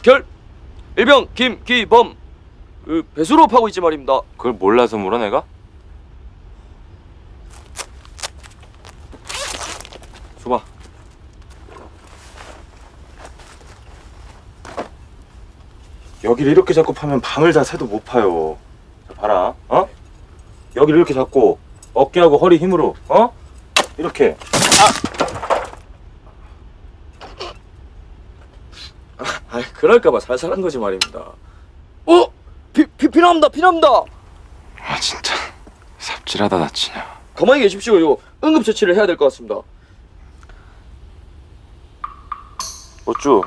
결 일병 김기범 배수로 파고 있지 말입니다. 그걸 몰라서 물어 내가? 줘봐. 여기를 이렇게 잡고 파면 밤을 다 새도 못 파요. 자, 봐라. 어? 여기를 이렇게 잡고 어깨하고 허리 힘으로 어? 이렇게. 아, 그럴까봐 살살한 거지 말입니다. 피납니다, 피납니다. 아 진짜 삽질하다 다치냐. 가만히 계십시오. 이거 응급처치를 해야 될 것 같습니다. 어쭈?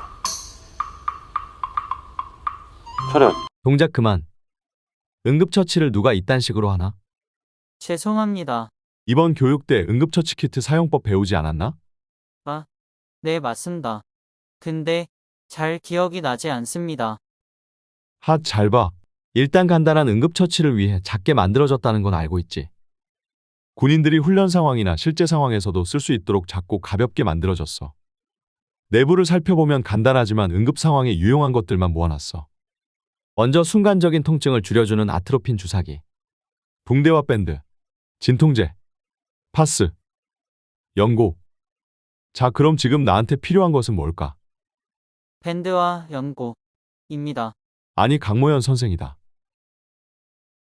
차렷. 동작 그만. 응급처치를 누가 이딴 식으로 하나? 죄송합니다. 이번 교육 때 응급처치 키트 사용법 배우지 않았나? 네, 맞습니다. 근데 잘 기억이 나지 않습니다. 핫, 잘 봐. 일단 간단한 응급처치를 위해 작게 만들어졌다는 건 알고 있지. 군인들이 훈련 상황이나 실제 상황에서도 쓸 수 있도록 작고 가볍게 만들어졌어. 내부를 살펴보면 간단하지만 응급 상황에 유용한 것들만 모아놨어. 먼저 순간적인 통증을 줄여주는 아트로핀 주사기, 붕대와 밴드, 진통제, 파스, 연고. 자, 그럼 지금 나한테 필요한 것은 뭘까? 밴드와 연고입니다. 아니, 강모현 선생이다.